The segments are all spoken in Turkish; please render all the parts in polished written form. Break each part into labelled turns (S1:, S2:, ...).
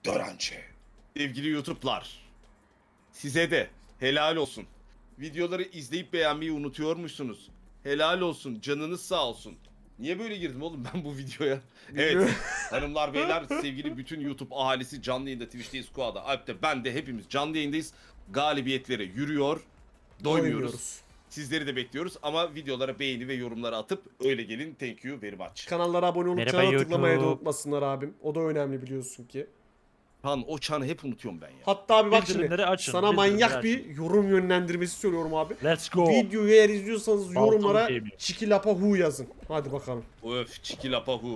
S1: Dörençe. Sevgili YouTube'lar, size de helal olsun. Videoları izleyip beğenmeyi unutuyormuşsunuz. Helal olsun, canınız sağ olsun. Niye böyle girdim oğlum ben bu videoya? Evet, hanımlar beyler, sevgili bütün YouTube ahalisi canlı yayında Twitch'teyiz, Squad'da, Alp'te, ben de hepimiz canlı yayındayız. Galibiyetlere yürüyor, doymuyoruz. Sizleri de bekliyoruz ama videolara beğeni ve yorumları atıp öyle gelin. Thank you very much.
S2: Kanallara abone olup
S3: Merhaba
S2: çana tıklamayı da
S3: YouTube.
S2: unutmasınlar abim. O da önemli biliyorsun ki.
S1: Han o çanı hep unutuyorum ben ya.
S2: Hatta abi bak şimdi
S3: Bildirimleri açın,
S2: sana manyak
S3: bildirimleri
S2: bir yorum yönlendirmesi söylüyorum abi.
S3: Let's go.
S2: Videoyu eğer izliyorsanız
S3: Baltalı
S2: yorumlara
S3: gaming.
S2: Çikilapa Hu yazın. Hadi bakalım.
S1: Öf, çikilapahu.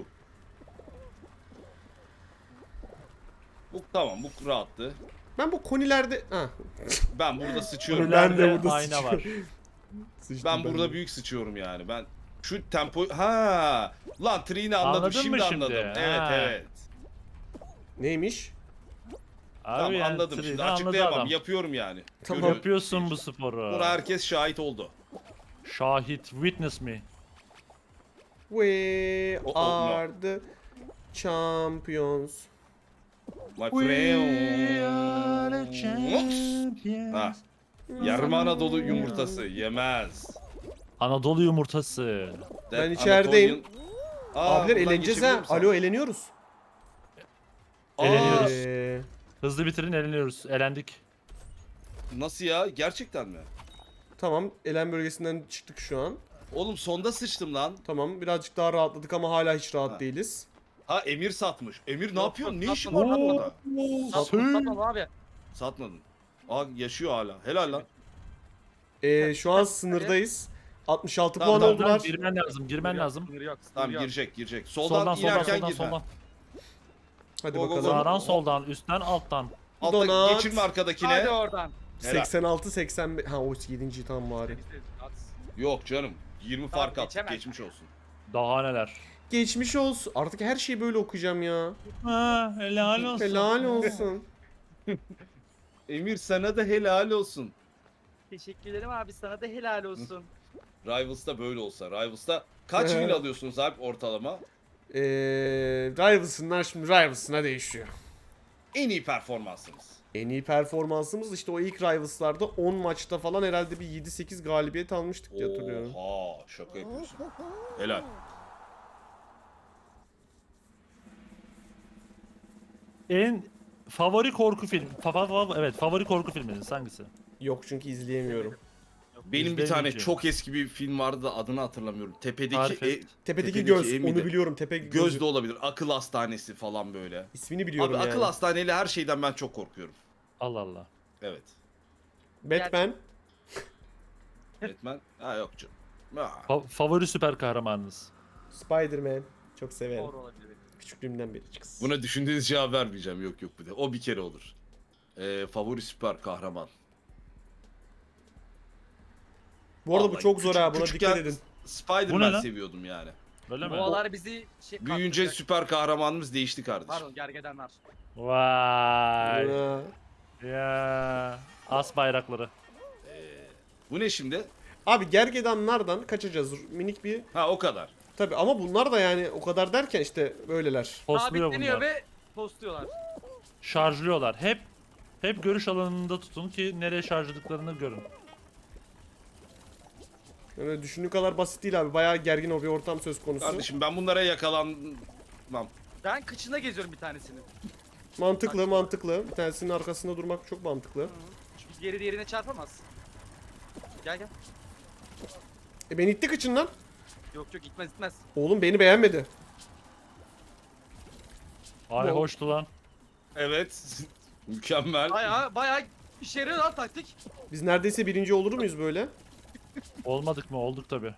S1: Bu tamam, bu rahattı.
S2: Ben bu konilerde... Ha.
S1: Ben burada sıçıyorum.
S2: Ben de
S3: Önlerde
S2: burada
S3: ayna var.
S2: Sıçtım
S1: Ben burada
S2: de.
S1: büyük sıçıyorum yani. Ben şu tempo lan triğini anladım.
S3: Anladın
S1: Şimdi
S3: mı şimdi?
S1: anladım. Evet,
S3: Ha.
S1: evet.
S2: Neymiş?
S3: Abi
S1: Tamam,
S3: yani
S1: anladım
S3: triğini
S1: şimdi.
S3: anladı
S1: Açıklayamam.
S3: adam.
S1: Yapıyorum yani.
S2: Tamam.
S1: Görüyorum.
S3: Yapıyorsun bu sporu.
S1: Buna herkes şahit oldu.
S3: Şahit, witness me.
S2: We
S1: Oh, no.
S2: are the champions.
S1: My
S3: We
S1: friend.
S3: are the champions.
S1: Ha. Yarım Anadolu yumurtası yemez.
S3: Anadolu yumurtası.
S2: Ben içerideyim.
S1: Aa,
S2: Abiler
S1: buradan
S2: eğleneceğiz
S1: geçebiliyor
S2: ha.
S1: musun?
S2: Alo eğleniyoruz.
S3: Eğleniyoruz.
S2: Ee,
S3: Hızlı bitirin, eğleniyoruz. Elendik.
S1: Nasıl ya? Gerçekten mi?
S2: tamam elen bölgesinden çıktık şu an.
S1: Oğlum sonda sıçtım lan.
S2: Tamam birazcık daha rahatladık ama hala hiç rahat
S1: Ha.
S2: değiliz.
S1: Ha, Emir satmış. Emir ne
S4: Yok,
S1: yapıyorsun?
S4: yok,
S1: Ne işin
S4: satmadım,
S1: var
S4: satmadım.
S1: burada?
S4: Satmadım abi.
S1: Satmadın. Aa, yaşıyor hala. Helal lan.
S2: Şu an sınırdayız. 66
S1: Tamam,
S2: puan
S1: tamam.
S2: oldular.
S3: Girmen lazım, girmen
S4: Sınır yok,
S3: lazım.
S4: sınır yok, sınır
S1: Tamam,
S4: yok.
S1: girecek.
S3: Soldan,
S1: Soldan,
S3: soldan,
S1: inerken
S3: soldan,
S1: gir.
S3: soldan.
S2: Hadi
S1: Go, go, go.
S2: bakalım.
S3: Sağdan, soldan, üstten, alttan.
S1: Altta
S2: Donat.
S1: geçirme arkadakine.
S4: Hadi oradan.
S1: Helal.
S2: 86 85 ha o 7. tam bari.
S1: Yok canım. 20
S4: Tamam,
S1: fark at.
S4: geçemez.
S1: Geçmiş olsun.
S3: Daha neler.
S2: Geçmiş olsun. Artık her şeyi böyle okuyacağım ya.
S3: Ha, helal olsun.
S2: Helal olsun.
S1: Emir sana da helal olsun.
S4: Teşekkür ederim abi, sana da helal olsun.
S1: Rivals'ta böyle olsa. Rivals'ta kaç win alıyorsunuz abi ortalama?
S2: Rivals'ınlar şimdi Rivals'ına değişiyor.
S1: En iyi performansınız.
S2: En iyi performansımız işte o ilk Rivals'larda 10 maçta falan herhalde bir 7-8 galibiyet almıştık diye hatırlıyorum.
S1: Oha, şaka yapıyorsun. Helal.
S3: En favori korku film. Evet, favori korku filminiz hangisi?
S2: Yok çünkü izleyemiyorum.
S1: Benim bir
S3: Bizde
S1: tane
S3: önce.
S1: çok eski bir film vardı da adını hatırlamıyorum. Tepedeki
S3: Tarif et.
S2: Tepedeki göz
S1: E
S2: onu
S1: miydi?
S2: biliyorum. Tepe
S1: Göz
S2: gözü.
S1: de olabilir. Akıl hastanesi falan böyle.
S2: İsmini biliyorum
S1: Abi
S2: yani.
S1: akıl hastaneyle her şeyden ben çok korkuyorum.
S3: Allah Allah.
S1: Evet.
S2: Batman.
S1: Batman. Ha, yok canım. Ha.
S3: Favori süper kahramanınız.
S2: Spider-Man. Çok severim.
S4: Doğru olabilir.
S2: Küçüklüğümden beri çıksın.
S1: Buna düşündüğünüz cevap vermeyeceğim. Yok bir de. O bir kere olur. Favori süper kahraman.
S2: Bu arada bu
S1: Vallahi
S2: çok zor ha. Buna
S1: küçükken
S2: dikkat edin.
S3: Bu ne
S1: Spider-Man
S3: lan?
S1: seviyordum yani.
S3: Öyle mi?
S4: Boğalar bizi şey
S1: Büyüyünce
S4: kastıracak.
S1: süper kahramanımız değişti kardeşim.
S4: Pardon, gergedanlar.
S3: Vay.
S2: Ha.
S3: Ya. As bayrakları.
S1: Bu ne şimdi?
S2: Abi gergedanlardan kaçacağız. Minik bir...
S1: Ha, o kadar.
S2: Tabi ama bunlar da yani o kadar derken işte böyleler.
S3: Postluyor
S4: Sabitleniyor
S3: bunlar.
S4: ve postluyorlar.
S3: Şarjlıyorlar. Hep görüş alanında tutun ki nereye şarjladıklarını görün.
S2: Yani düşündüğün kadar basit değil abi. Bayağı gergin bir ortam söz konusu.
S1: Kardeşim ben bunlara yakalanmam.
S4: Ben kıçına geziyorum bir tanesini.
S2: Mantıklı. Bir tanesinin arkasında durmak çok mantıklı.
S4: Çünkü geri diğerine çarpamaz. Gel gel.
S2: Ben ittik içinden.
S4: Yok yok, gitmez.
S2: Oğlum beni beğenmedi.
S3: Ay
S2: Bu-
S3: hoştu lan.
S1: Evet. Mükemmel.
S4: Bayağı işe yarıyor lan taktik.
S2: Biz neredeyse birinci olur muyuz böyle?
S3: Olmadık mı? Olduk tabi.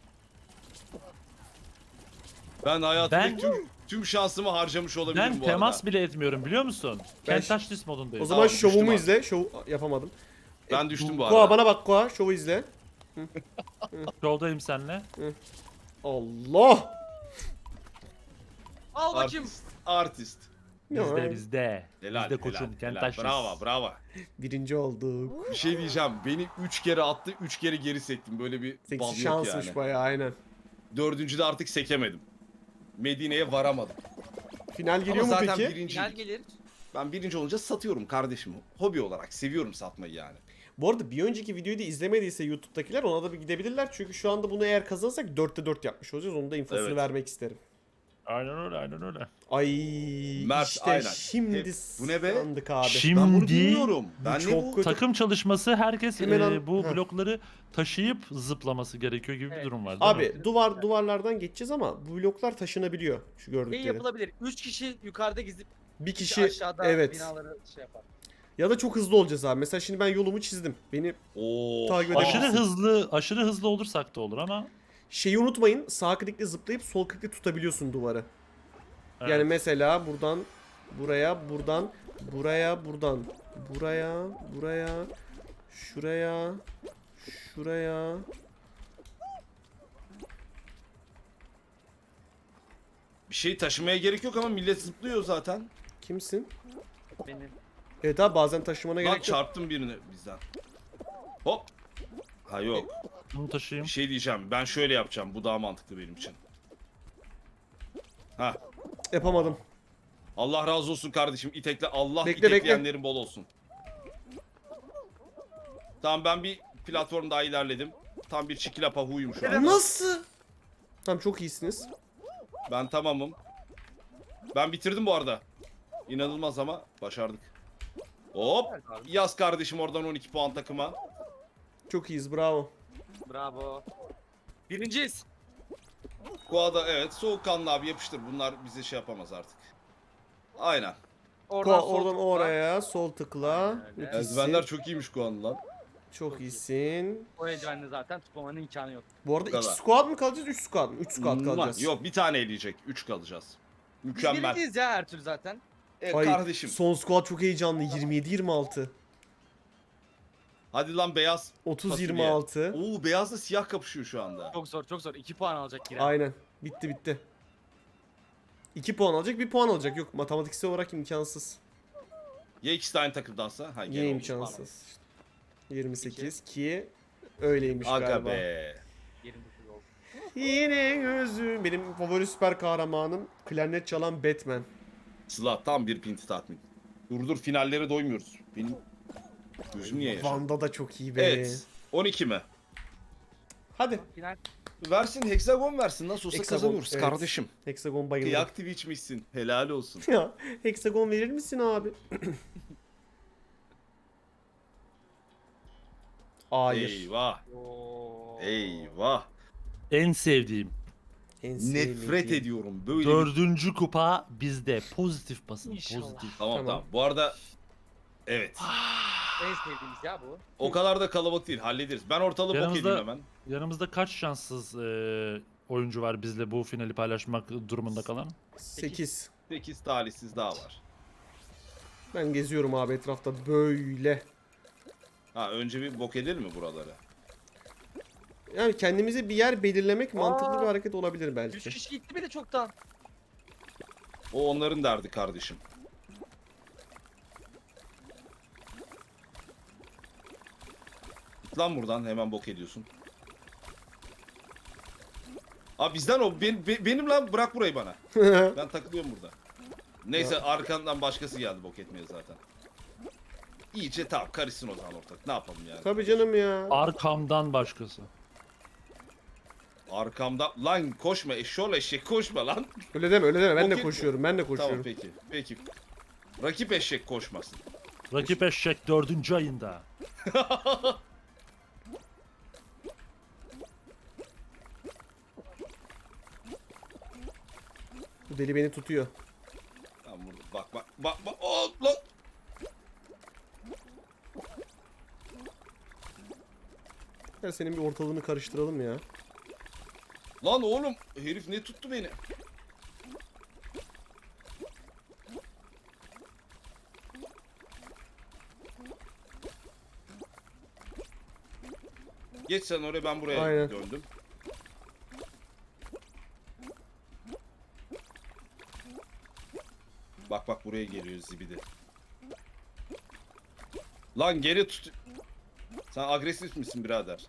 S1: Ben hayatımdaki
S3: Ben-
S1: tüm şansımı harcamış olabilirim
S3: Ben
S1: bu
S3: temas
S1: arada.
S3: bile etmiyorum biliyor musun?
S2: Ben-
S3: Kentaş dis modundayım.
S2: O zaman
S1: Tamam,
S2: şovumu
S1: düştüm
S2: izle. Şov yapamadım.
S1: Ben düştüm bu
S2: Koa
S1: arada.
S2: bana bak Koa. Şovu izle.
S3: Yoldayım seninle.
S2: Allah!
S4: Al bakayım.
S1: Artist.
S3: Bizde bizde.
S1: Helal,
S3: Bizde koçum.
S1: helal.
S3: Kentaş dis.
S1: Bravo.
S2: Birinci olduk.
S1: Bir şey diyeceğim. Beni 3 kere attı, 3 kere geri sektim. Böyle bir bal
S2: Seksi
S1: yok
S2: şansmış
S1: yani.
S2: bayağı aynen.
S1: Dördüncüde artık sekemedim. Medine'ye varamadım.
S2: Final geliyor
S1: Ama
S2: mu
S1: zaten
S2: peki?
S4: Final
S1: birinciydik.
S4: gelir.
S1: Ben birinci olunca satıyorum kardeşim. Hobi olarak seviyorum satmayı yani.
S2: Bu arada bir önceki videoyu da izlemediyse YouTube'dakiler ona da bir gidebilirler. Çünkü şu anda bunu eğer kazanırsak 4'te 4 yapmış olacağız. Onun da infosunu
S1: Evet.
S2: vermek isterim.
S3: Aynen öyle, aynen öyle.
S2: Ay
S1: Mert,
S2: işte
S1: aynen.
S2: şimdi
S1: Bu ne be?
S2: sandık abi.
S3: Şimdi
S1: Ben bunu bilmiyorum. Ben ne
S2: çok
S1: bu?
S2: kötü.
S3: takım çalışması, herkes
S2: Hemen al-
S3: bu
S2: Heh.
S3: blokları taşıyıp zıplaması gerekiyor gibi bir
S4: Evet.
S3: durum var değil mi?
S2: Abi duvarlardan geçeceğiz ama bu bloklar taşınabiliyor şu
S4: Şey
S2: gördükleri.
S4: yapılabilir. 3 kişi yukarıda gizip
S2: Bir
S4: kişi
S2: kişi
S4: aşağıda
S2: evet.
S4: binaları şey yapar.
S2: Ya da çok hızlı olacağız abi. Mesela şimdi ben yolumu çizdim. Beni
S1: Oo.
S2: Takip
S3: Aşırı
S2: edebilirsin.
S3: aşırı hızlı olursak da olur ama
S2: şeyi unutmayın. Sağ klikle zıplayıp sol klikle tutabiliyorsun duvarı.
S3: evet.
S2: Yani mesela buradan buraya, buradan buraya, buradan buraya, buraya, şuraya, şuraya.
S1: Bir şey taşımaya gerek yok ama millet zıplıyor zaten.
S2: Kimsin?
S4: Benim.
S2: Evet abi bazen taşımana
S1: Lan
S2: gerek yok.
S1: çarptım birini bizden. Hop. Ha yok.
S3: Bunu taşıyayım.
S1: Bir şey diyeceğim. Ben şöyle yapacağım. Bu daha mantıklı benim için. Ha.
S2: Yapamadım.
S1: Allah razı olsun kardeşim. İtekle Allah
S2: Bekle,
S1: itekleyenlerin bol olsun. Tamam ben bir platform daha ilerledim. Tam bir çikilapa huyum şu an.
S2: Nasıl? Tamam çok iyisiniz.
S1: Ben tamamım. Ben bitirdim bu arada. İnanılmaz ama başardık. Hop.
S4: Evet abi.
S1: Yaz kardeşim oradan 12 puan takıma.
S2: Çok iyiyiz bravo.
S4: Bravo. Birinciyiz.
S1: Kuada evet soğukkanlı abi yapıştır. Bunlar bize şey yapamaz artık. Aynen.
S4: Oradan, sol
S2: Oradan
S4: tıkla.
S2: oraya sol tıkla.
S4: Aynen öyle.
S2: Çok iyisin.
S1: Eldivenler çok iyiymiş Kuan'ın lan.
S2: Çok iyisin.
S4: O eldivenle zaten tutmamanın imkanı yok.
S2: Bu arada
S1: Bu
S2: 2
S1: kadar.
S2: squad mı kalacağız 3 squad mı? 3 squad kalacağız.
S1: Yok bir tane eleyecek. 3 kalacağız.
S4: Biz
S1: Mükemmel.
S4: birinciyiz ya her türlü zaten.
S2: Ay,
S1: Kardeşim.
S2: son squad çok heyecanlı. 27-26.
S1: Hadi lan beyaz.
S2: 30-26.
S1: Oo beyazla siyah kapışıyor şu anda.
S4: Çok zor çok zor. 2 puan alacak giren.
S2: Aynen. Bitti bitti. 2 puan alacak, 1 puan alacak. Yok matematiksel olarak imkansız.
S1: Ya ikisi de aynı takımdansa? Ha,
S2: Yine
S1: gene olmuş.
S2: imkansız. 28 ki öyleymiş
S1: Aga
S2: galiba.
S1: be.
S4: 29 oldu.
S2: Yine gözüm. Benim favori süper kahramanım klarnet çalan Batman.
S1: Sıla tam bir pinti tatmin. Dur finallere doymuyoruz. Benim gözüm niye yaşar?
S2: Vanda da çok iyi be.
S1: Evet. 12 mi?
S2: Hadi.
S4: Final.
S1: Versin hexagon versin. Nasıl olsa
S2: Hexagon,
S1: kazanıyoruz
S2: evet.
S1: kardeşim.
S2: Hexagon bayılır.
S1: Kıyak Twitch'mişsin. Helal olsun.
S2: Ya hexagon verir misin abi? Hayır.
S1: Eyvah.
S4: Oo.
S1: Eyvah.
S3: En sevdiğim.
S2: En
S1: Nefret
S2: sevmediğim.
S1: ediyorum böyle bir...
S3: Dördüncü kupa bizde. Pozitif basın.
S4: İnşallah.
S3: Pozitif.
S1: Tamam
S2: Tamam.
S1: tamam. Bu arada evet.
S4: En sevdiğimiz ya bu.
S1: O kadar da kalabalık değil. Hallederiz. Ben ortalığı bok
S3: Yanımızda-
S1: edeyim hemen.
S3: Yanımızda kaç şanssız oyuncu var bizle bu finali paylaşmak durumunda kalan?
S2: 8.
S1: 8 talihsiz daha var.
S2: Ben geziyorum abi etrafta böyle.
S1: Ha önce bir bok edelim mi buraları?
S2: Yani kendimize bir yer belirlemek mantıklı
S4: Aa.
S2: bir hareket olabilir
S4: 3
S2: belki.
S4: kişi gitti bile çoktan.
S1: O onların derdi kardeşim. Git lan buradan hemen bok ediyorsun. Abi bizden o benim lan bırak burayı bana. Ben takılıyorum burada. Neyse arkandan başkası geldi bok etmeye zaten. İyice tamam karışsın o zaman ortak. Ne yapalım yani?
S2: Tabii canım ya.
S3: Arkamdan başkası.
S1: Arkamda lan koşma eşşoğlu eşek koşma lan.
S2: Öyle deme öyle deme. Ben de
S1: Okey.
S2: koşuyorum. Ben de
S1: Tamam
S2: koşuyorum.
S1: peki. Peki. Rakip eşek koşmasın.
S3: Rakip eşek 4. ayında.
S2: Bu deli beni tutuyor.
S1: Tamam burada bak. Oh, lan.
S2: Gel senin bir ortalığını karıştıralım ya.
S1: Lan oğlum herif ne tuttu beni? Geç sen oraya ben buraya
S2: Aynen.
S1: döndüm. Bak buraya geliyor zibidi. Lan geri tut. Sen agresif misin birader?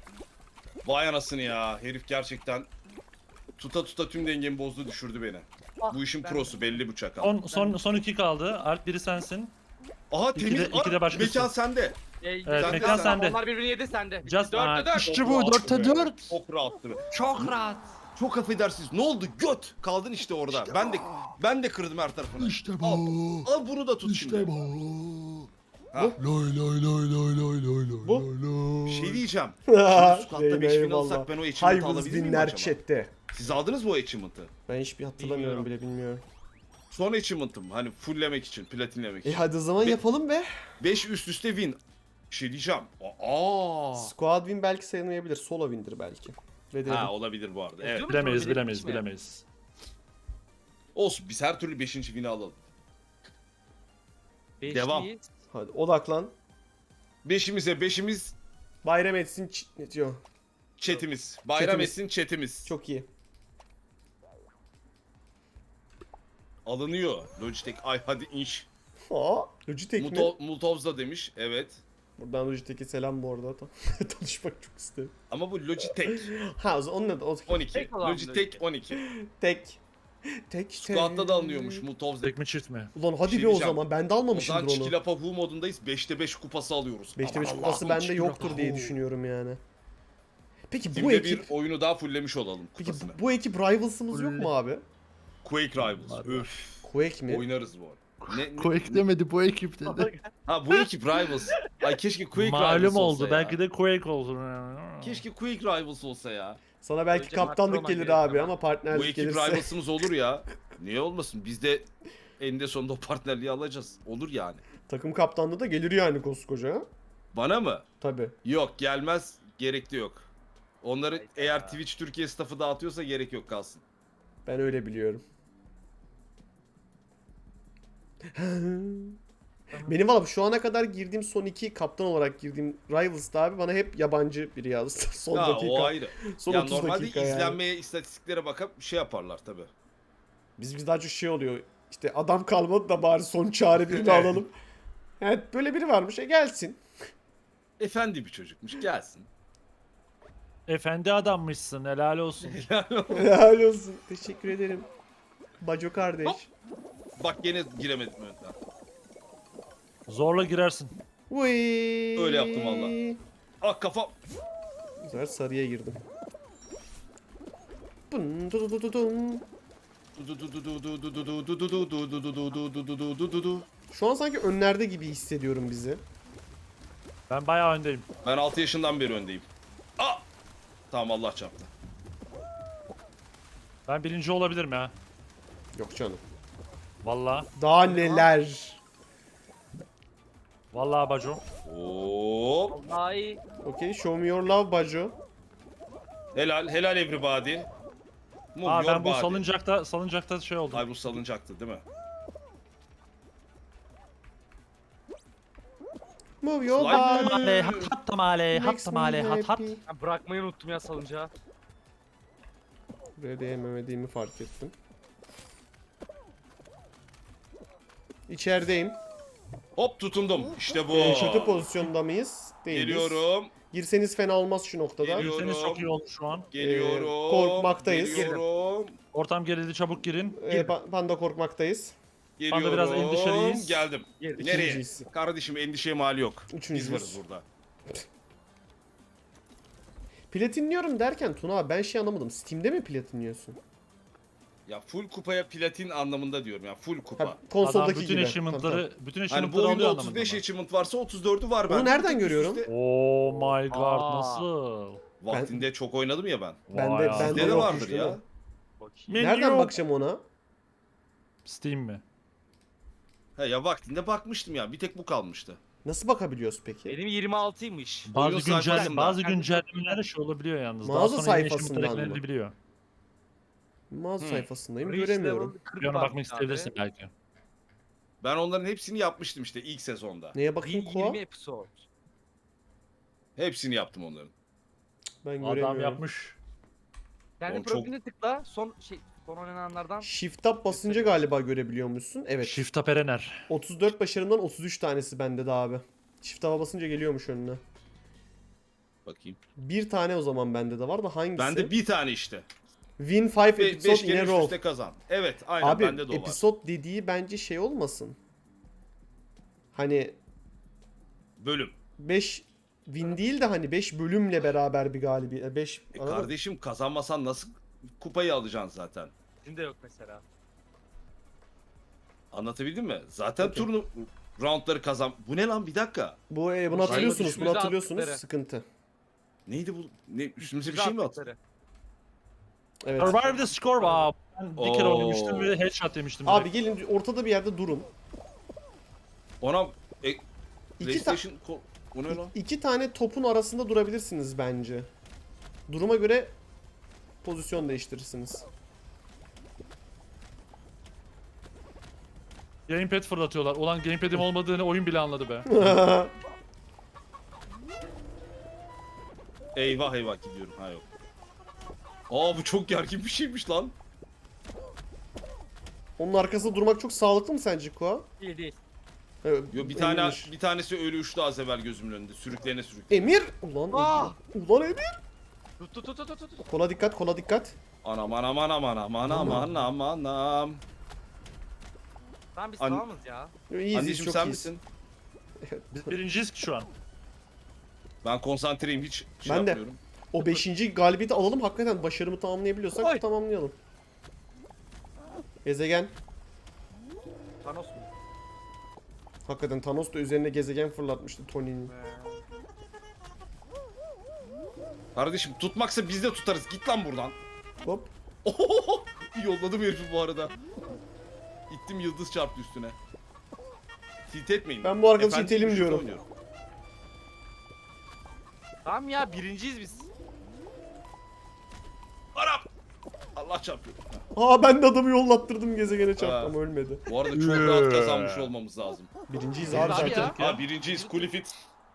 S1: Vay anasını ya. Herif gerçekten tuta tüm dengemi bozdu düşürdü beni. Bu işin
S4: ben-
S1: prosu belli bu çakal.
S3: Son 2 kaldı. Alp biri sensin.
S1: Aha
S3: İki de-
S1: temiz.
S3: iki de başkası.
S1: Mekan sende.
S3: Evet,
S1: Sen de
S3: mekan
S1: sen.
S3: sende.
S4: Onlar birbirini yedi sende.
S3: Just
S4: Dörtte dört.
S3: işte
S1: Çok
S3: bu
S1: rahattı
S3: 4'te
S1: be.
S3: 4.
S1: Çok rahattı be.
S4: Çok rahat.
S1: Çok affedersiniz. Ne oldu? Göt. Kaldın işte orada. Ben de kırdım her tarafını.
S5: İşte bu.
S1: Al bunu da tut şimdi.
S5: İşte bu.
S1: Ha.
S5: Loy loy loy loy loy loy loy
S2: Bu?
S5: loy loy.
S1: Bir şey diyeceğim.
S2: Reyna,
S1: Squat'ta 5000
S2: eyvallah.
S1: alsak ben o achievement'ı alabilir miyim
S2: Hayvız
S1: acaba?
S2: chatte.
S1: Siz aldınız mı o achievement'ı?
S2: Ben hiçbir hatırlamıyorum bile bilmiyorum.
S1: Son achievement'ım. Hani fulllemek için, platinlemek için.
S2: Hadi o zaman
S1: Be-
S2: yapalım be.
S1: 5 üst üste win. Bir şey diyeceğim. Aa.
S2: Squad win belki sayılmayabilir. Solo win'dir belki. Ve dedim.
S1: Ha olabilir bu arada. Evet.
S3: Bilemeyiz.
S1: Olsun biz her türlü 5. win'i alalım. Devam.
S4: Beşliyiz.
S2: Hadi odaklan.
S1: Beşimiz
S2: Bayram etsin ne diyor?
S1: chatimiz. Bayram
S2: Chatimiz.
S1: etsin chatimiz.
S2: Çok iyi.
S1: Alınıyor. Logitech ay hadi inş.
S2: Aa, Logitech mi?
S1: Multovs da demiş. Evet.
S2: Buradan Logitech'e selam bu arada. Tanışmak çok isterim.
S1: Ama bu Logitech
S2: Ha o zaman onun adı
S1: 12.
S4: Tek olan
S1: Logitech 12.
S2: Tek.
S1: Squad'da da alınıyormuş Multovs.
S3: Tek mi çift mi?
S2: Ulan hadi
S1: Şey
S2: be o
S1: diyeceğim.
S2: zaman. Ben de
S1: O zaman
S2: almamışımdır onu.
S1: Çikilapa Hu modundayız. 5'te 5 kupası alıyoruz.
S2: 5'te 5
S1: Aman
S2: kupası
S1: Allah'ım,
S2: bende
S1: Çikilapa
S2: yoktur diye
S1: Hu.
S2: düşünüyorum yani. Peki bu
S1: Timde
S2: ekip...
S1: bir oyunu daha fulllemiş olalım
S2: Peki
S1: kupasını.
S2: bu ekip Rivals'ımız yok mu abi?
S1: Quake Rivals. Üf.
S2: Quake mi?
S1: Oynarız bu arada.
S5: Quake demedi bu ekip dedi.
S1: Ha bu ekip Rivals. Ay keşke Quake
S3: Malum
S1: Rivals
S3: oldu.
S1: olsa ya.
S3: Belki de Quake oldu.
S1: Keşke Quake Rivals olsa ya.
S2: Sana belki
S4: Önce
S2: kaptanlık
S4: Macron'a
S2: gelir
S4: gerek
S2: abi
S4: ama.
S2: ama
S1: Bu
S2: partnerlik
S1: ekip
S2: gelirse.
S1: Rivals'ımız olur ya. Niye olmasın? Biz de eninde sonunda o partnerliği alacağız. Olur yani.
S2: Takım kaptanlığı da gelir yani koskoca. Ha?
S1: Bana mı?
S2: Tabii.
S1: Yok gelmez. Gerek de yok. Onları
S4: Hayda.
S1: eğer Twitch Türkiye staffı dağıtıyorsa gerek yok kalsın.
S2: Ben öyle biliyorum. Benim valla şu ana kadar girdiğim son iki kaptan olarak girdiğim Rivals'da abi bana hep yabancı biri yazdı. Son
S1: Ya
S2: dakika.
S1: o ayrı.
S2: Son
S1: Ya
S2: 30
S1: normalde
S2: dakika yani.
S1: izlenmeye, istatistiklere bakıp şey yaparlar tabi.
S2: Biz daha çok şey oluyor. İşte adam kalmadı da bari son çare birini alalım. Evet böyle biri varmış. Gelsin.
S1: Efendi bir çocukmuş gelsin.
S3: Efendi adammışsın. Helal olsun.
S2: Helal olsun. Teşekkür ederim. Baco kardeş.
S1: Hop. Bak gene giremedim önden.
S3: Zorla girersin.
S2: Uy.
S1: Öyle yaptım valla. Ah kafa.
S2: Bu sefer sarıya girdim. Bun, du, du, du, du, dum. Şu an sanki önlerde gibi hissediyorum bizi.
S3: Ben bayağı öndeyim.
S1: Ben 6 yaşından beri öndeyim. Ah! Tamam Allah çarptı.
S3: Ben birinci olabilirim ya.
S2: Yok canım.
S3: Vallahi.
S2: Daha neler.
S3: Vallahi Baco.
S1: Hop.
S4: Vallahi
S2: Okay, show me your love Baco.
S1: Helal, helal everybody. Move
S3: Aa
S1: your
S3: ben bu
S1: body.
S3: salıncakta şey oldum.
S1: Ay bu salıncaktı değil mi?
S2: Move your
S1: Slide
S2: body.
S3: Tamale, hat tamale, hat
S2: Makes me
S3: tamale, hat hat.
S2: happy.
S4: ben bırakmayı unuttum ya salıncağı.
S2: Buraya değmemediğimi fark ettim. İçerideyim.
S1: Hop tutundum. İşte bu.
S2: Şatı pozisyonda mıyız? Değiliz.
S1: Geliyorum.
S2: Girseniz fena olmaz şu noktada.
S1: Geliyorum.
S3: Girseniz çok iyi oldu şu an.
S1: Geliyorum.
S2: korkmaktayız.
S1: Geliyorum.
S3: Ortam gerildi, çabuk girin.
S2: Panda korkmaktayız.
S1: Geliyorum.
S3: Panda biraz endişeliyiz.
S1: Geldim.
S4: Girdik.
S1: Nereye?
S2: İkinciyiz.
S1: Kardeşim endişeye mali yok.
S2: Üçüncüyüz.
S1: Biz varız burada.
S2: Platinliyorum derken Tuna abi ben şey anlamadım. Steam'de mi platinliyorsun?
S1: Ya full kupaya platin anlamında diyorum ya. Full kupa.
S2: Ha, konsoldaki
S3: Adam bütün
S2: gibi.
S3: achievement'ları, bütün
S1: Hani bu
S3: achievement'ları
S1: oyunda
S3: alıyor
S1: 35
S3: anlamında.
S1: achievement varsa 34'ü var
S2: Onu
S1: bende.
S2: nereden
S1: Bir tek
S2: görüyorum?
S1: üst üste-
S3: Oh my god
S4: Aa.
S3: nasıl?
S1: Vaktinde çok oynadım ya ben.
S2: Bende
S3: Vay abi.
S2: bende
S1: Sizde de
S2: yokmuş
S1: vardır
S2: değil mi?
S1: ya.
S4: Bakayım.
S2: Nereden
S3: Yok.
S2: bakacağım ona?
S3: Steam mi?
S1: He ya vaktinde bakmıştım ya. Bir tek bu kalmıştı.
S2: Nasıl bakabiliyoruz peki?
S4: Benim 26'ymış.
S3: Bazı
S1: sayfasında.
S3: bazı güncellemeler şey olabiliyor yalnız. Daha
S2: Mağaza
S3: sonra yeni
S2: sayfasından
S3: achievement'lar
S2: mı?
S3: eklenebiliyor.
S2: Mağaza sayfasındayım
S4: Reach
S2: göremiyorum.
S4: level 40
S3: Bir ona
S4: varmış
S3: bakmak
S4: abi.
S3: isteyebilirsin belki.
S1: Ben onların hepsini yapmıştım işte ilk sezonda.
S2: Neye bakayım Koa?
S4: 20 episode.
S1: Hepsini yaptım onların.
S2: Ben
S3: Adam
S2: göremiyorum.
S3: yapmış.
S4: Kendi
S1: Oğlum çok-
S4: profiline tıkla. Son oynananlardan.
S2: Shift Tab basınca galiba görebiliyormuşsun. Evet.
S3: Shift Up Erener.
S2: 34 başarımdan 33 tanesi bende de abi. Shift Tab'a basınca geliyormuş önüne.
S1: Bakayım.
S2: Bir tane o zaman bende de var da hangisi?
S1: Bende bir tane işte.
S2: Win 5
S1: 5
S2: episode in
S1: kere
S2: a
S1: üst
S2: row.
S1: üste kazan. Evet aynen
S2: Abi
S1: bende de o var.
S2: episode dediği bence şey olmasın. Hani
S1: Bölüm.
S2: 5 win değil de hani 5 bölümle beraber bir galibiyet. 5
S1: Kardeşim kazanmasan nasıl kupayı alacaksın zaten?
S4: Bizim de yok mesela.
S1: Anlatabildim mi? Zaten
S2: Okey.
S1: roundları kazan. Bu ne lan bir dakika.
S2: bunu
S4: Sayılı
S2: hatırlıyorsunuz. Bunu
S4: düşmüze
S2: hatırlıyorsunuz.
S4: attıkları.
S2: Sıkıntı.
S1: Neydi bu? Ne üstümüze bir
S4: Bize
S1: şey mi attı?
S4: attıkları.
S2: Evet.
S3: Survive the score. Aa, ben bir kere
S1: Oo.
S3: oynamıştım ve headshot yemiştim.
S2: Abi
S3: direkt.
S2: gelin ortada bir yerde durun.
S1: Ona
S2: İki,
S1: PlayStation o ne lan?
S2: iki tane topun arasında durabilirsiniz bence. Duruma göre pozisyon değiştirirsiniz.
S3: Gamepad fırlatıyorlar. Ulan gamepad'im olmadığını oyun bile anladı be.
S1: Eyvah eyvah gidiyorum. Ha yok. Aa bu çok gergin bir şeymiş lan.
S2: Onun arkasında durmak çok sağlıklı mı sence Kua?
S4: Değil değil.
S1: Yo bir tanesi ölü uçtu az evvel gözümün önünde. Sürüklene.
S2: Emir! Ulan
S4: Ah!
S2: Ulan Emir!
S4: Tut tut tut tut tut.
S2: Kola dikkat, kola dikkat.
S1: Anam.
S4: Tamam biz
S1: An-
S4: tamamız ya.
S2: İyiyiz,
S1: Anneciğim
S2: çok
S1: sen
S2: iyiyiz.
S1: misin?
S3: Biz birinciyiz ki şu an.
S1: Ben konsantreyim hiç şey
S2: Ben de.
S1: yapmıyorum.
S2: O 5. galibiyeti alalım, hakikaten başarımı tamamlayabiliyorsak
S4: Oy.
S2: tamamlayalım. Gezegen.
S4: Thanos mu?
S2: Hakikaten Thanos da üzerine gezegen fırlatmıştı Tony'nin.
S1: Kardeşim tutmaksa biz de tutarız. Git lan buradan.
S2: Hop.
S1: Yolladım herifi bu arada. İttim yıldız çarptı üstüne. Tilt etmeyin.
S2: Ben bu arkadaşı
S1: Efendim,
S2: itelim
S1: şurada
S2: diyorum.
S1: oynuyorum.
S4: Tamam ya birinciyiz biz.
S1: Arap! Allah çarpıyor.
S2: Aa, ben de adamı yollattırdım, gezegene çarptı ama ölmedi.
S1: Bu arada çok rahat kazanmış olmağımız lazım.
S2: Birinciyiz
S4: Abi
S2: abi
S4: ya.
S2: zaten.
S1: Ha birinciyiz Kulifit.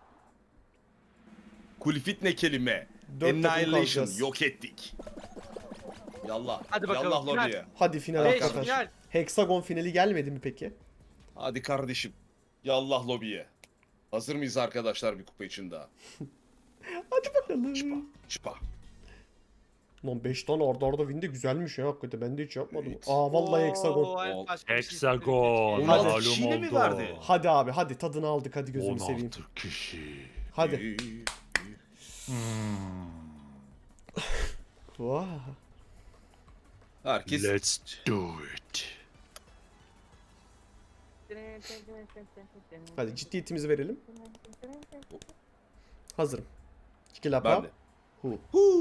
S1: Kulifit ne kelime?
S2: 4 takım
S1: Annihilation.
S2: kalacağız.
S1: Yok ettik. Yallah.
S4: Hadi bakalım,
S1: Yallah
S4: final.
S1: lobiye.
S2: Hadi final
S4: 5
S2: arkadaş.
S4: final.
S2: Hexagon finali gelmedi mi peki?
S1: Hadi kardeşim. Yallah lobiye. Hazır mıyız arkadaşlar bir kupa için daha?
S2: Hadi bakalım.
S1: Çıpa.
S2: Lan 5 tane arda arda win de güzelmiş ya hakikaten, ben de hiç yapmadım.
S1: Evet.
S2: Aa vallahi
S4: Oo,
S2: hexagon.
S4: hayır, başka bir şey
S3: Hexagon.
S4: istedim.
S1: Hadi.
S3: Malum
S1: kişiyle mi
S3: oldu.
S1: verdi?
S2: Hadi abi hadi, tadını aldık, hadi gözümü seveyim.
S5: 16 kişi.
S2: Hadi. Vah.
S1: Herkes
S5: Let's do it.
S2: Hadi ciddiyetimizi verelim. Hazırım. Çikilapa.
S1: ben de.
S2: Hu.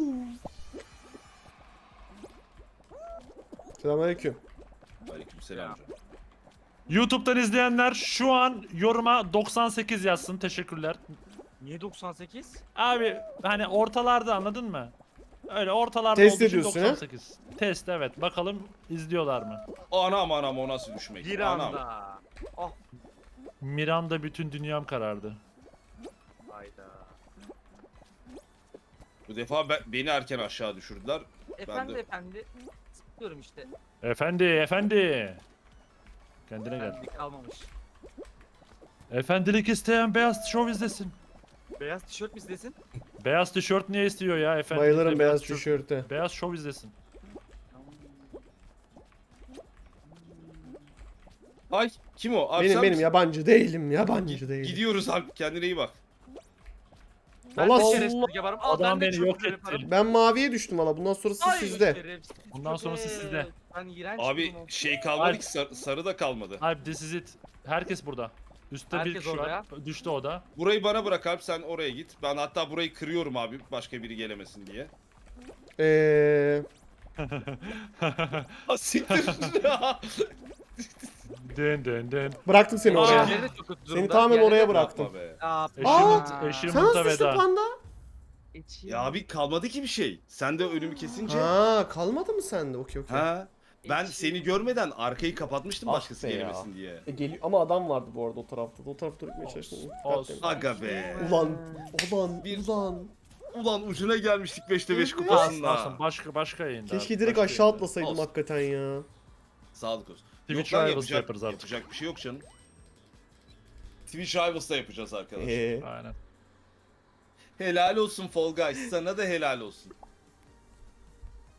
S2: Selamünaleyküm.
S1: Aleykümselam canım.
S3: YouTube'dan izleyenler şu an yoruma 98 yazsın. Teşekkürler.
S4: Niye 98?
S3: Abi hani ortalarda, anladın mı? Öyle ortalarda
S2: Test
S3: olduğu için
S2: ediyorsun, ha?
S3: 98. Test, evet. Bakalım izliyorlar mı?
S1: Anam o nasıl düşmek?
S4: Bir
S1: Anam.
S4: anda. Oh.
S3: Miranda bütün dünyam karardı.
S4: Hayda.
S1: Bu defa beni erken aşağı düşürdüler.
S4: Efendi
S1: de-
S4: efendi. Sıkıyorum işte.
S3: Efendi. Kendine gel.
S4: Efendi kalmamış.
S3: Efendilik isteyen beyaz şov izlesin.
S4: Beyaz tişört mü izlesin?
S3: Beyaz tişört niye istiyor ya efendilik?
S2: Bayılırım
S3: de
S2: beyaz tişörte.
S3: Beyaz şov izlesin.
S1: Ay kim o? Abi
S2: Benim
S1: sen
S2: benim
S1: misin?
S2: yabancı değilim, yabancı değilim.
S1: Gidiyoruz abi kendine iyi bak.
S4: Ben
S2: Allah
S4: de şerefsizlik yaparım. Al,
S3: Adam
S4: ben de
S3: beni
S4: çok
S3: yok
S4: güzel
S3: etti.
S4: yaparım.
S2: Ben maviye düştüm valla, bundan sonrası
S4: Ay,
S2: sizde.
S4: şerefsiz
S3: Bundan sonrası
S4: köpek.
S3: sizde.
S4: Ben iğrenç
S1: Abi
S4: buldum.
S1: şey kalmadı
S3: Abi-
S1: ki sarı da kalmadı.
S3: Abi this is it. Herkes burada. Üstte bir
S4: Herkes
S3: kişi
S4: orada
S3: var. Düştü o da.
S1: Burayı bana bırak abi sen oraya git. Ben hatta burayı kırıyorum abi başka biri gelemesin diye. Ha siktir.
S3: Den.
S2: Bıraktım seni
S3: Aa.
S2: oraya.
S4: Diğerleri de çok kötü
S2: Seni
S4: durumda.
S2: tamamen
S4: Diğerleri
S2: oraya
S4: de-
S2: bıraktım.
S1: Yapma be.
S4: Aa,
S3: Achievement
S2: Sen
S3: achievement'a
S2: nasılsın
S3: veda.
S2: panda?
S1: Ya abi kalmadı ki bir şey. Sen de önümü kesince.
S2: Ha, kalmadı mı sende? Okey.
S1: Ha. Ben
S4: Hiç-
S1: seni görmeden arkayı kapatmıştım
S2: Ah
S1: başkası
S2: be ya.
S1: gelemesin diye.
S2: Geliyor ama adam vardı bu arada o tarafta. O tarafta durmaya çalıştım.
S3: olsun.
S1: Aga be.
S2: Ulan
S1: Bir-
S2: ulan.
S1: Ulan ucuna gelmiştik 5'te 5
S2: Evet.
S1: kupasında.
S3: Olsun, başka yayında.
S2: Keşke
S3: abi,
S2: direkt
S3: başka
S2: aşağı
S3: yayında.
S2: atlasaydım
S1: Olsun.
S2: hakikaten ya.
S1: Sağlık olsun.
S3: Twitch
S1: Yok lan,
S3: Rivals'da yaparız artık.
S1: Yapacak bir şey yok canım. Twitch Rivals'da yapacağız arkadaşlar.
S3: Aynen.
S1: Helal olsun Fall Guys. Sana da helal olsun.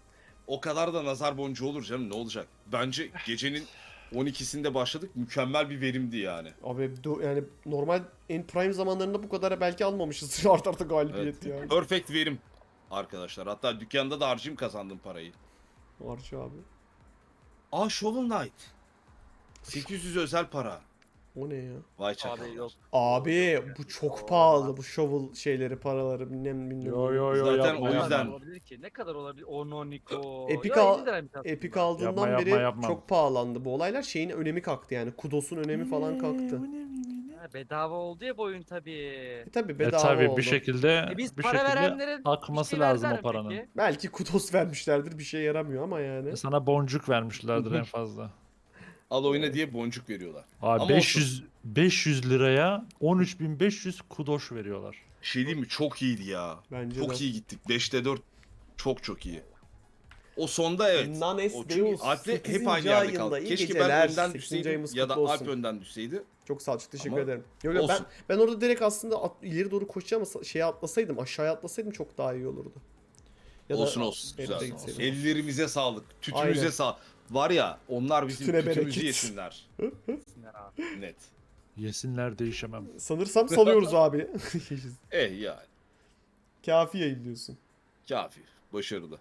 S1: O kadar da nazar boncuğu olur canım, ne olacak? Bence gecenin 12'sinde başladık, mükemmel bir verimdi yani.
S2: Abi yani normal en prime zamanlarında bu kadar belki almamışız art arda galibiyet
S1: Evet.
S2: yani.
S1: Perfect verim arkadaşlar. Hatta dükkanda da harcayayım, kazandım parayı.
S2: Harcı abi.
S1: Aa, Shovel Knight. 800 özel para.
S2: O ne ya?
S1: Vay
S4: Abi
S1: çakallar.
S4: yok.
S2: Abi bu çok pahalı bu shovel şeyleri paraları bilmem.
S3: Yo yo yo
S1: Zaten
S3: yapma,
S1: o
S4: Ne
S3: yapma.
S1: yüzden-
S4: kadar olabilir ki? Ne kadar olabilir? Ononiko.
S2: Epic
S4: Ya,
S2: al-
S4: 50 liraymış aslında.
S2: Epic aldığından
S3: Yapma, yapma,
S2: beri
S3: yapma.
S2: çok pahalandı bu olaylar. Şeyin önemi kalktı yani. Kudos'un önemi falan kalktı.
S4: Ha, bedava oldu ya bu oyun tabii.
S2: Tabi bedava
S3: tabii
S2: oldu.
S3: bir şekilde
S4: Biz
S3: bir
S4: para
S3: şekilde
S4: verenlerin
S3: akması
S4: bir şey
S3: lazım
S4: verdiler
S3: o paranın.
S4: mi peki?
S2: Belki Kudos vermişlerdir bir şey yaramıyor ama yani.
S3: Sana boncuk vermişlerdir en fazla.
S1: Al oyna diye boncuk veriyorlar.
S3: Abi
S1: Ama
S3: 500 liraya 13.500 kudoş veriyorlar.
S1: Şey diyeyim mi? Çok iyiydi ya.
S2: Bence
S1: Çok
S2: de.
S1: iyi gittik. 5'te 4 çok iyi. O sonda evet.
S2: Nanes
S1: O çünkü
S2: Deus,
S1: Alp'le
S2: 8.
S1: hep aynı yerde
S2: ayında
S1: kaldık.
S2: iyi
S1: Keşke
S2: geceler.
S1: ben önden
S2: 8.
S1: düşseydim
S2: ayımız
S1: ya da
S2: kutlu
S1: Alp
S2: olsun.
S1: önden düşseydi.
S2: Çok sağ ol, çok teşekkür
S1: Ama
S2: ederim. Yok yok
S1: olsun.
S2: ben orada direkt aslında ileri doğru koşacağım ama şeye atlasaydım, aşağıya atlasaydım çok daha iyi olurdu. Ya da
S1: Olsun.
S2: Elbette
S1: Güzel.
S2: gitseydim.
S1: Ellerimize sağlık. Tütümüze
S2: Aynen.
S1: sağlık. Var ya, onlar bizim
S2: Tütüne
S1: tütümüzü
S2: bereket.
S1: yesinler.
S4: Sinir abi.
S1: Net.
S3: Yesinler değişemem.
S2: Sanırsam salıyoruz abi.
S1: Yani.
S2: Kafi yayınlıyorsun.
S1: Kafi. Başarılı.